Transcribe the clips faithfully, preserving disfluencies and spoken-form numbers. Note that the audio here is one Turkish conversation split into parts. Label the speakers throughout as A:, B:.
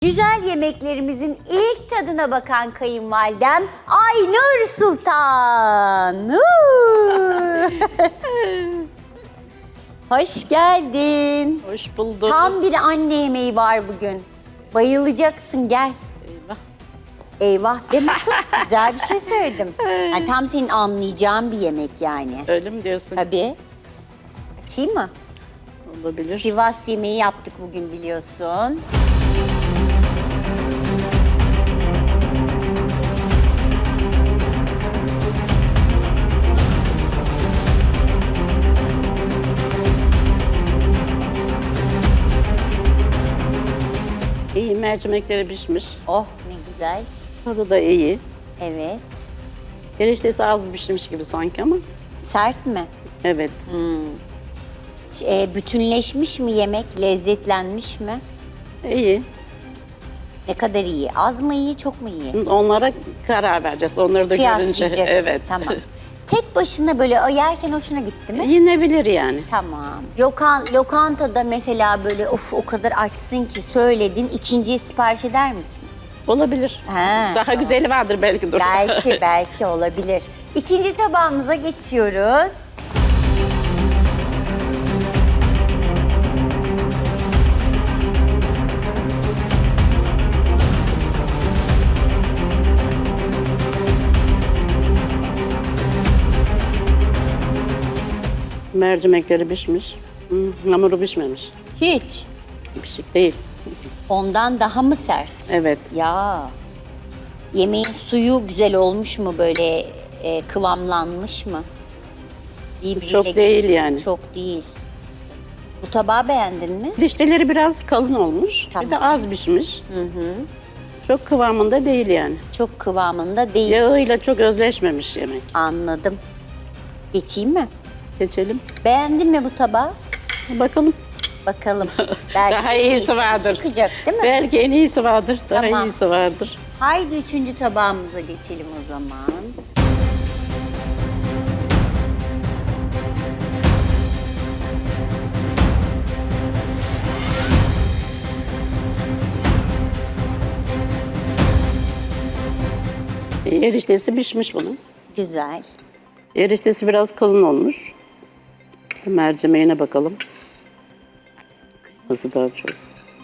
A: Güzel yemeklerimizin ilk tadına bakan kayınvalidem Aynur Sultan. Hoş geldin.
B: Hoş bulduk.
A: Tam bir anne yemeği var bugün. Bayılacaksın, gel.
B: Eyvah.
A: Eyvah deme kız, güzel bir şey söyledim. Yani tam senin anlayacağın bir yemek yani.
B: Öyle mi diyorsun?
A: Tabii. Açayım mı?
B: Olabilir.
A: Sivas yemeği yaptık bugün biliyorsun.
B: İyi, mercimekleri pişmiş.
A: Oh ne güzel.
B: Tadı da iyi.
A: Evet.
B: Eriştesi az pişmiş gibi sanki ama.
A: Sert mi?
B: Evet.
A: E, bütünleşmiş mi yemek? Lezzetlenmiş mi?
B: İyi.
A: Ne kadar iyi? Az mı iyi, çok mu iyi?
B: Onlara karar vereceğiz. Onları da görünce.
A: Kıyaslayacaksın.
B: Evet.
A: Tamam. Tek başına böyle yerken hoşuna gitti mi?
B: Yenebilir yani.
A: Tamam. Lokan, lokantada mesela böyle of o kadar açsın ki söyledin, ikinciye sipariş eder misin?
B: Olabilir.
A: He,
B: Daha güzeli vardır belki dur.
A: Belki, belki olabilir. İkinci tabağımıza geçiyoruz.
B: Mercimekleri pişmiş. Hmm, hamuru pişmemiş.
A: Hiç.
B: Pişik değil.
A: Ondan daha mı sert?
B: Evet.
A: Ya. Yemeğin suyu güzel olmuş mu böyle e, kıvamlanmış mı? Birbiriyle
B: Çok
A: geç-
B: değil yani.
A: Çok değil. Bu tabağı beğendin mi?
B: Dişleri biraz kalın olmuş.
A: Tamam.
B: Bir de az pişmiş. Çok kıvamında değil yani.
A: Çok kıvamında değil.
B: Yağıyla çok özleşmemiş yemek.
A: Anladım. Geçeyim mi?
B: Geçelim.
A: Beğendin mi bu tabağı?
B: Bakalım.
A: Bakalım. Belki
B: Daha
A: en
B: iyisi vardır.
A: Çıkacak değil mi?
B: Belki en iyisi vardır. Daha
A: Tamam.
B: iyisi vardır.
A: Haydi üçüncü tabağımıza geçelim o zaman.
B: Eriştesi pişmiş bunun.
A: Güzel.
B: Eriştesi biraz kalın olmuş. Mercimeğine bakalım. Kıyması daha çok.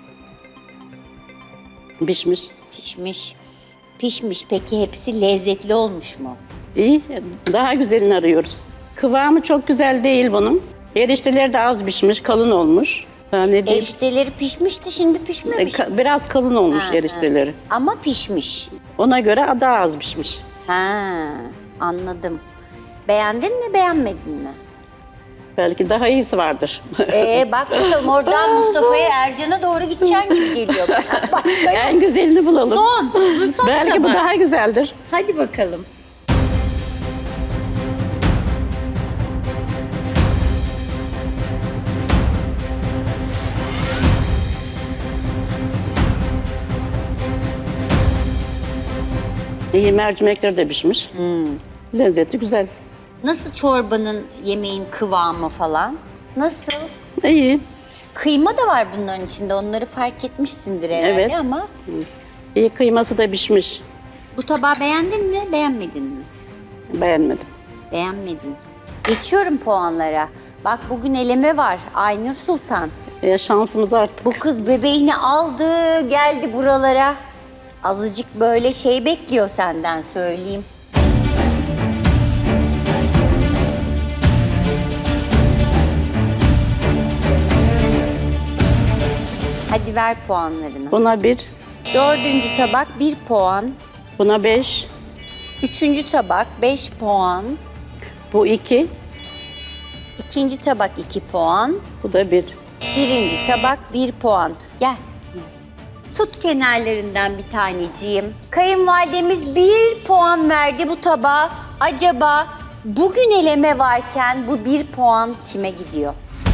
B: Pişmiş.
A: Pişmiş. Pişmiş. Peki hepsi lezzetli olmuş mu?
B: İyi. Daha güzelini arıyoruz. Kıvamı çok güzel değil bunun. Erişteleri de az pişmiş, kalın olmuş. Daha ne diyeyim?
A: Erişteleri pişmişti, şimdi
B: E,
A: pişmemiş.
B: ka- Biraz kalın olmuş
A: Ha,
B: erişteleri.
A: Ama pişmiş.
B: Ona göre daha az pişmiş.
A: Ha, anladım. Beğendin mi, beğenmedin mi?
B: Belki daha iyisi vardır.
A: Ee, bak bakalım oradan Mustafa'ya, Ercan'a doğru gideceksin gibi geliyor bana. Başka yok.
B: En güzelini bulalım.
A: Son, bu son
B: Belki bu
A: tabak.
B: daha güzeldir.
A: Hadi bakalım.
B: İyi, mercimekleri de pişmiş. Lezzeti güzel.
A: Nasıl çorbanın, yemeğin kıvamı falan? Nasıl?
B: İyi.
A: Kıyma da var bunların içinde. Onları fark etmişsindir herhalde
B: Evet.
A: ama
B: İyi, kıyması da pişmiş.
A: bu tabağı beğendin mi, beğenmedin mi?
B: Beğenmedim.
A: Beğenmedin. Geçiyorum puanlara. Bak bugün eleme var. Aynur Sultan.
B: E, şansımız artık.
A: Bu kız bebeğini aldı, geldi buralara. Azıcık böyle şey bekliyor senden, söyleyeyim. Hadi ver puanlarını.
B: Buna bir,
A: Dördüncü tabak bir puan.
B: buna beş,
A: Üçüncü tabak beş puan.
B: bu iki,
A: İkinci tabak iki puan.
B: bu da bir.
A: Birinci tabak bir puan. Gel. Tut kenarlarından bir taneciğim. Kayınvalidemiz bir puan verdi bu tabağa. Acaba bugün eleme varken bu bir puan kime gidiyor?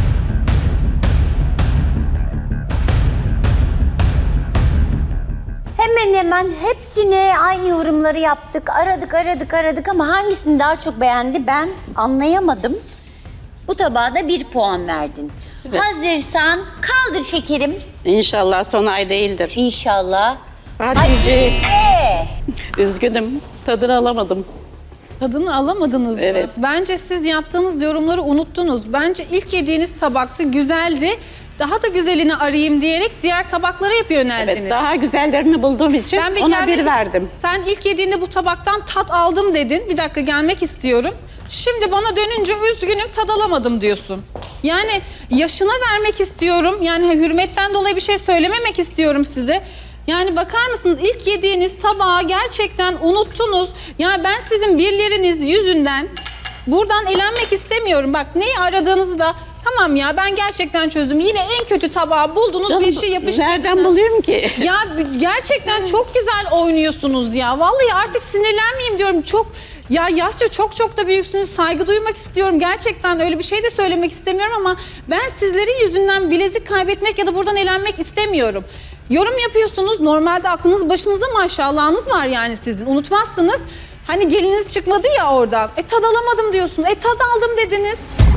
A: Hemen hemen hepsine aynı yorumları yaptık. Aradık, aradık, aradık ama hangisini daha çok beğendi ben anlayamadım. Bu tabağa da bir puan verdin. Hazırsan kaldır şekerim.
B: İnşallah son ay değildir.
A: İnşallah.
B: Hatice.
A: Hatice.
B: Üzgünüm. Tadını alamadım.
C: Tadını alamadınız
B: Evet.
C: mı? Bence siz yaptığınız yorumları unuttunuz. Bence ilk yediğiniz tabakta güzeldi. Daha da güzelini arayayım diyerek diğer tabaklara hep yöneldiniz.
B: Evet, daha güzellerini bulduğum için
C: Ben bir
B: ona
C: gelmek-
B: bir verdim.
C: Sen ilk yediğinde bu tabaktan tat aldım dedin. Bir dakika gelmek istiyorum. Şimdi bana dönünce üzgünüm tad alamadım diyorsun. Yani yaşına vermek istiyorum. Yani hürmetten dolayı bir şey söylememek istiyorum size. Yani bakar mısınız ilk yediğiniz tabağı gerçekten unuttunuz. Ya ben sizin birleriniz yüzünden buradan elenmek istemiyorum. Bak neyi aradığınızı da tamam ya ben gerçekten çözdüm. Yine en kötü tabağı buldunuz
B: Canım,
C: bir şey yapıştırdınız.
B: nereden buluyorum ki?
C: Ya gerçekten çok güzel oynuyorsunuz ya. Vallahi artık sinirlenmeyeyim diyorum. Çok ya yaşça çok çok da büyüksünüz. Saygı duymak istiyorum. Gerçekten öyle bir şey de söylemek istemiyorum ama ben sizlerin yüzünden bilezik kaybetmek ya da buradan elenmek istemiyorum. Yorum yapıyorsunuz. Normalde aklınız başınızda maşallahınız var yani sizin. Unutmazsınız. Hani geliniz çıkmadı ya oradan. E tad alamadım diyorsun. E tad aldım dediniz.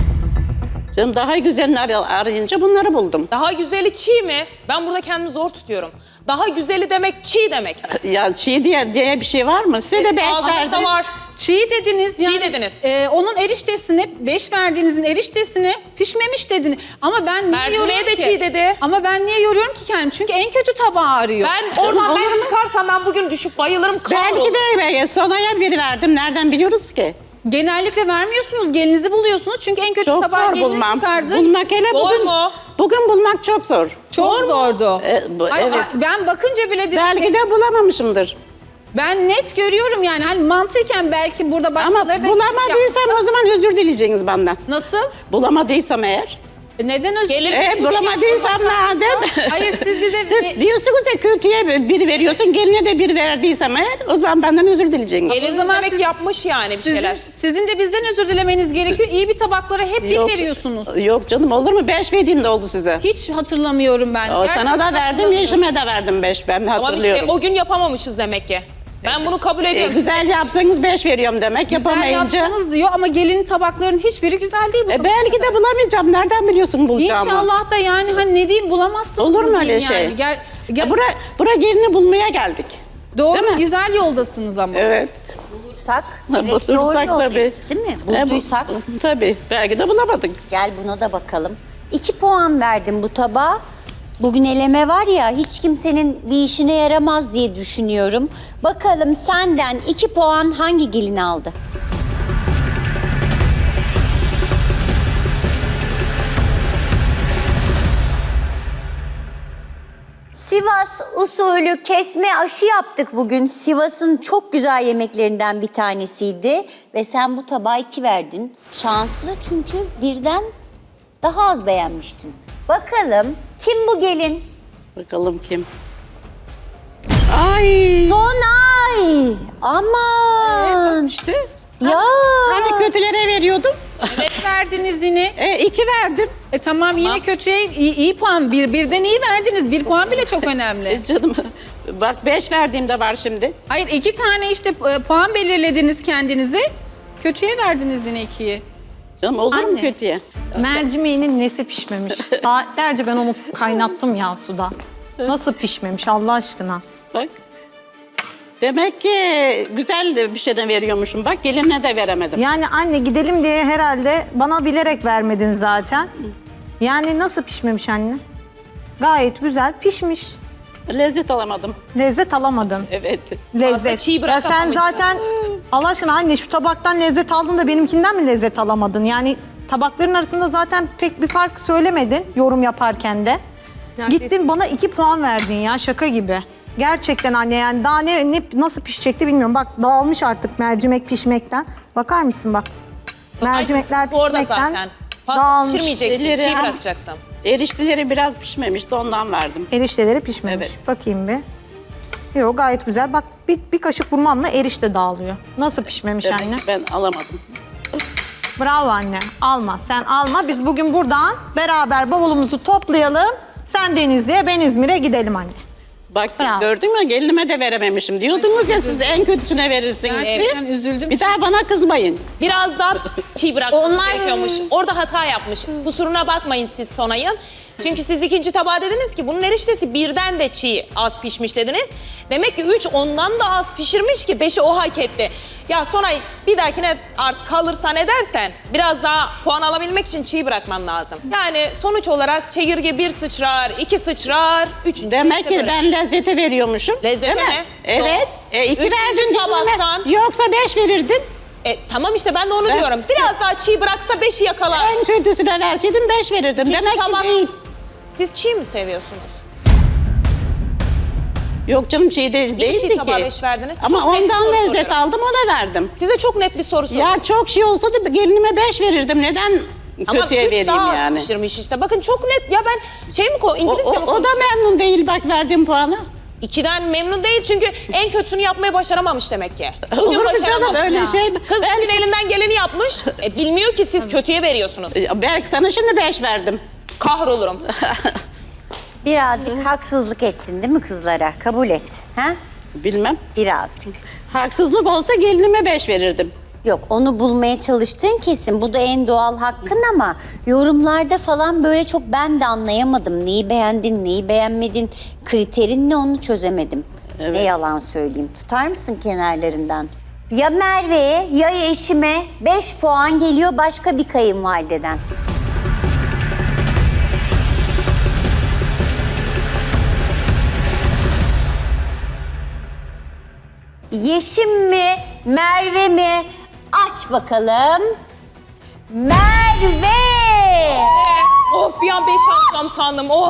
B: Canım daha güzelini ar- arayınca bunları buldum.
D: Daha güzeli çiğ mi? Ben burada kendimi zor tutuyorum. Daha güzeli demek çiğ demek mi?
B: Ya çiğ diye, diye bir şey var mı? Size de beş
D: Ağzınızda
B: verdim.
D: var.
C: Çiğ dediniz.
D: Çiğ dediniz.
C: e, onun eriştesini, beş verdiğinizin eriştesini pişmemiş dediniz. Ama ben niye
D: Mercimeğe
C: yoruyorum
D: de
C: ki?
D: çiğ dedi.
C: Ama ben niye yoruyorum ki kendimi? Çünkü en kötü tabağı arıyor.
D: Ben oradan
B: olur
D: ben
B: mu?
D: çıkarsam ben bugün düşüp bayılırım.
B: Belki
D: kahrolurum.
B: de be- sonaya bir verdim. Nereden biliyoruz ki?
C: Genellikle vermiyorsunuz, gelinizi buluyorsunuz. Çünkü en kötü
B: Çok
C: tabağı
B: zor
C: geliniz
B: bulmam.
C: çıkardı.
B: Bulmak hele
D: Zor
B: bugün.
D: mu?
B: Bugün bulmak çok zor.
C: Çok zordu.
B: E, bu-
C: Ay,
B: evet.
C: ay, ben bakınca bile dedim,
B: Belki de bulamamışımdır.
C: ben net görüyorum yani. Hani mantıken belki burada
B: Ama
C: başkaları da
B: bulamadıysam o zaman özür dileyeceksiniz benden.
C: Nasıl?
B: Bulamadıysam eğer.
C: E, Neden özür
D: Gelin-
B: E, bulamadıysam madem.
C: Hayır siz bize...
B: Siz diyorsunuz ya kötüye bir veriyorsun, geline de bir verdiysem eğer o zaman benden özür dileyeceksiniz.
D: Geliniz
C: O zaman
D: demek
C: siz-
D: yapmış yani bir şeyler.
C: Sizin, sizin de bizden özür dilemeniz gerekiyor. İyi bir tabaklara hep bir
B: Yok.
C: veriyorsunuz.
B: Yok canım olur mu? Beş verdiğim de oldu size.
C: Hiç hatırlamıyorum ben.
B: O
C: Gerçekten
B: sana da verdim,
C: hatırlamıyorum.
B: yeşime de verdim beş. Ben
D: Ama bir şey,
B: hatırlıyorum.
D: o gün yapamamışız demek ki. Ben bunu kabul
B: E,
D: ediyorum.
B: güzel yapsanız beş veriyorum demek.
C: Güzel
B: Yapamayınca.
C: yaptınız diyor ama gelin tabakların hiçbiri güzel değil. bu
B: E, belki de bulamayacağım. Nereden biliyorsun bulacağımı?
C: İnşallah da yani hani ne diyeyim bulamazsınız.
B: Olur mu
C: mı
B: öyle
C: diyeyim
B: şey?
C: Yani. Gel, gel-
B: E, bura, bura gelini bulmaya geldik.
C: doğru
B: değil mi?
C: güzel yoldasınız ama.
B: Evet.
A: Bulursak,
B: Ha,
A: evet, doğru
B: bulursak
A: yoldayız değil mi?
B: E, bu-
A: Bulduysak
B: tabii. Belki de bulamadık.
A: gel buna da bakalım. İki puan verdim bu tabağa. Bugün eleme var ya hiç kimsenin bir işine yaramaz diye düşünüyorum. Bakalım senden iki puan hangi gelin aldı? Sivas usulü kesme aşı yaptık bugün. Sivas'ın çok güzel yemeklerinden bir tanesiydi. Ve sen bu tabağa iki verdin. Şanslı çünkü birden daha az beğenmiştin. Bakalım kim bu gelin?
B: Bakalım kim? Ay.
A: Sonay! Aman!
B: İşte.
A: Ya!
B: Hani kötülere veriyordum.
C: Evet verdiniz yine.
B: E, iki verdim.
C: E tamam yine kötüye iyi, iyi puan. Bir, birden iyi verdiniz. Bir puan bile çok önemli.
B: E, canım. Bak beş verdiğimde var şimdi.
C: Hayır iki tane işte e, puan belirlediniz kendinize. Kötüye verdiniz yine ikiyi.
B: Canım olur mu
E: Anne.
B: kötüye?
E: Mercimeğinin nesi pişmemiş? Saatlerce ben onu kaynattım ya suda. Nasıl pişmemiş Allah aşkına?
B: Bak. Demek ki güzel bir şeyden veriyormuşum. Bak gelinine de veremedim.
E: Yani anne gidelim diye herhalde bana bilerek vermedin zaten. Yani nasıl pişmemiş anne? Gayet güzel pişmiş.
B: Lezzet alamadım.
E: Lezzet alamadın.
B: Evet.
E: Lezzet.
D: çiğ
E: ya sen
D: bırakamamışsın.
E: zaten Allah aşkına anne şu tabaktan lezzet aldın da benimkinden mi lezzet alamadın? Yani tabakların arasında zaten pek bir fark söylemedin yorum yaparken de. Gittin bana iki puan verdin ya şaka gibi. Gerçekten anne yani daha ne, ne nasıl pişecekti bilmiyorum. Bak dağılmış artık mercimek pişmekten. Bakar mısın bak. Mercimekler
D: Bu orada
E: pişmekten
D: zaten. Fazla
E: dağılmış.
D: pişirmeyeceksin,
B: Elleri
D: çiğ
B: hem-
D: bırakacaksın.
B: Erişteleri biraz pişmemişti ondan verdim.
E: Erişteleri pişmemiş.
B: Evet.
E: Bakayım bir. Yok gayet güzel. Bak bir, bir kaşık vurmamla erişte dağılıyor. Nasıl pişmemiş
B: Demek
E: anne?
B: ki ben alamadım.
E: Bravo anne. Alma. Sen alma. Biz bugün buradan beraber bavulumuzu toplayalım. Sen Denizli'ye, ben İzmir'e gidelim anne.
B: Bak
E: Bravo.
B: gördün mü gelinime de verememişim. Diyordunuz ya siz en kötüsüne verirsiniz
C: Gerçekten
B: diye.
C: üzüldüm.
B: Bir daha bana kızmayın.
D: Biraz daha çiğ bırakması
A: Onlar-
D: gerekiyormuş. Orada hata yapmış. Kusuruna bakmayın siz Sonay'ın. Çünkü siz ikinci tabağa dediniz ki bunun eriştesi birden de çiğ az pişmiş dediniz. Demek ki üç ondan da az pişirmiş ki beşi o hak etti. Ya Sonay bir dahakine artık kalırsan edersen biraz daha puan alabilmek için çiğ bırakman lazım. Yani sonuç olarak çekirge bir sıçrar, iki sıçrar, üç.
B: Demek
D: işte
B: ki
D: böyle.
B: ben lezzete veriyormuşum.
D: Lezzete
B: değil mi?
D: mi?
B: Evet.
D: Doğru.
B: E, iki
D: Üçüncü
B: verdin gelinime.
D: tabaktan-
B: Yoksa beş verirdin.
D: E, tamam işte ben de onu
B: Ben-
D: diyorum. Biraz daha çiğ bıraksa beşi yakalar.
B: En kötüsüne verseydin beş verirdim.
D: İkinci
B: Demek
D: tabak-
B: ki değil.
D: Siz çiğ mi seviyorsunuz?
B: Yok canım çiğ de, değildi ki.
D: tabağa beş verdiniz?
B: Ama
D: Çok net bir
B: ondan
D: soru
B: lezzet
D: soruyorum.
B: aldım ona verdim.
D: Size çok net bir soru soruyorum.
B: Ya çok şey olsa da gelinime beş verirdim. Neden
D: Ama
B: kötüye
D: üç
B: vereyim
D: daha az
B: yani?
D: pişirmiş işte. Bakın çok net. Ya ben şey mi ko
B: O,
D: İngilizce
B: o,
D: mi
B: o da
D: konuşuyorum?
B: memnun değil bak verdiğim puanı.
D: İkiden memnun değil çünkü en kötünü yapmayı başaramamış demek ki. Bugün
B: Olur mu canım,
D: başaramamış.
B: öyle
D: Ya.
B: şey mi?
D: Kız
B: Ben-
D: bugün elinden geleni yapmış. E, bilmiyor ki siz kötüye veriyorsunuz.
B: E, Belki sana şimdi beş verdim.
D: Kahrolurum.
A: Birazcık haksızlık ettin değil mi kızlara? Kabul et. Ha?
B: Bilmem.
A: Birazcık.
B: Haksızlık olsa gelinime beş verirdim.
A: Yok onu bulmaya çalıştığın kesin. Bu da en doğal hakkın ama yorumlarda falan böyle çok ben de anlayamadım. Neyi beğendin, neyi beğenmedin, kriterin ne onu çözemedim. Ne yalan söyleyeyim. Tutar mısın kenarlarından? Ya Merve'ye ya eşime beş puan geliyor başka bir kayınvalideden. Yeşim mi, Merve mi? Aç bakalım. Merve!
D: Of bir an beş alacağım sandım. Oh.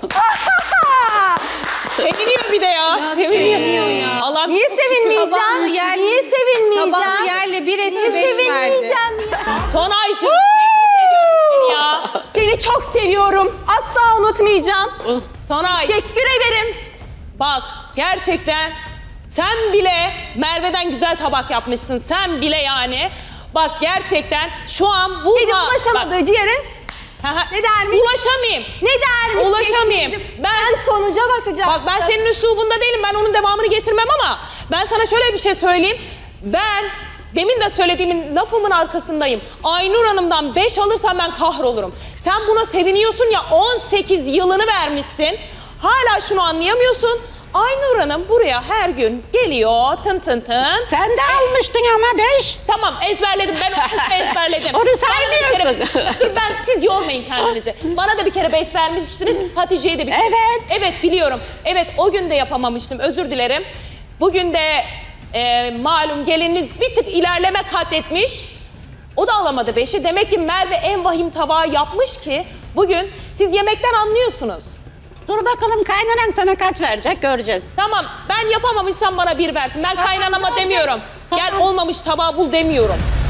D: Seviniyor bir de ya. Seviniyor ya. Allah
F: Niye sevinmeyeceğim?
C: yer-
F: Niye sevinmeyeceğim?
C: Tabağını yerle bir etti
F: Niye
C: beş verdi.
F: sevinmeyeceğim ya?
D: son aycığım. Tebrik ediyorum seni ya.
F: Seni çok seviyorum. Asla unutmayacağım.
D: Sonay.
F: Teşekkür ederim.
D: Bak gerçekten sen bile Merve'den güzel tabak yapmışsın. Sen bile yani. Bak gerçekten şu an bu...
F: Kedi ulaşamadığı ciğere ne dermiş?
D: Ulaşamayayım.
F: Ne dermiş?
D: Ulaşamayayım.
F: Yeşilciğim?
D: Ben-
F: Ben sonuca bakacağım.
D: Bak ben senin üslubunda değilim. Ben onun devamını getirmem ama ben sana şöyle bir şey söyleyeyim. Ben demin de söylediğimin lafımın arkasındayım. Aynur Hanım'dan beş alırsam ben kahrolurum. Sen buna seviniyorsun ya on sekiz yılını vermişsin. Hala şunu anlayamıyorsun. Aynur Hanım buraya her gün geliyor tın tın tın.
B: Sen de almıştın ama beş.
D: Tamam ezberledim ben o kısmı ezberledim.
B: Onu
D: Bana da bir
B: saymıyorsun.
D: kere- Dur ben siz yormayın kendinizi. Bana da bir kere beş vermiştiniz. Hatice'ye de bir kere.
B: Evet.
D: Evet biliyorum. Evet o gün de yapamamıştım özür dilerim. Bugün de e, malum gelininiz bir tık ilerleme kat etmiş. O da alamadı beşi. Demek ki Merve en vahim tabağı yapmış ki bugün siz yemekten anlıyorsunuz.
B: Dur bakalım kaynanan sana kaç verecek göreceğiz.
D: Tamam ben yapamamışsam bana bir versin. Ben kaynanama
B: göreceğiz.
D: demiyorum. Gel olmamış tabağı bul demiyorum.